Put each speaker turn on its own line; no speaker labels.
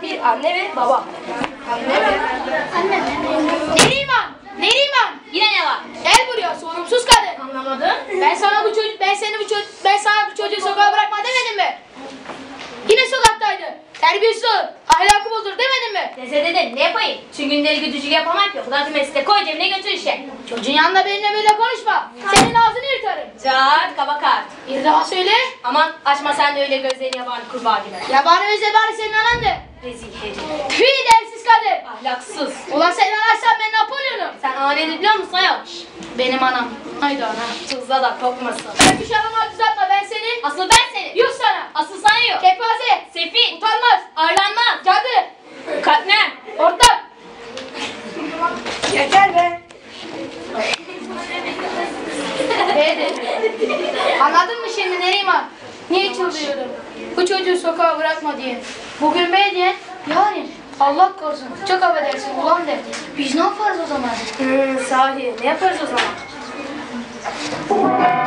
bir anne ve baba. Anne ve anne. Neriman, Neriman. Yine ne var? Gel buraya, sorumsuz kadın. Anlamadım. Ben sana bu çocuğu sokağa bırakma demedim mi? Yine sokaktaydı. Terbiyesiz ol. Ahlakı bozdur demedim mi?
Dese dedim, ne yapayım? Tüm günleri güdücü yapamam ki. Kulak mesleğe koy cebine götür işe.
Çocuğun yanında benimle böyle konuşma. Senin ağzını yırtarım.
Cart, kaba kart.
Bir daha söyle.
Aman açma sen de öyle gözlerini yabani kurbağa gibi.
Yabani ve zebani senin anandı.
Rezil herif.
Tüy dersiz kadın.
Ahlaksız.
Ulan sen anarsan ben Napolyon'um.
Sen aneni biliyor musun ayol?
Benim anam. Haydi ana.
Tuzla da kokmasın.
Ben düş anamı düzeltme ben senin.
Asıl ben senin.
Yuh sana.
Asıl sana yok.
Kepaze.
Sefil.
Utanmaz.
Arlanmaz.
Cadı.
Katmer.
Ortak.
Yeter be.
Beydi. Anladın mı şimdi Neriman? Niye çıldırıyorum? Bu çocuğu sokağa bırakma diye. Bugün bey diye, yarın Allah korusun. Çok affedersin ulan de. Biz ne yaparız o zaman?
Sahi ne yaparız o zaman?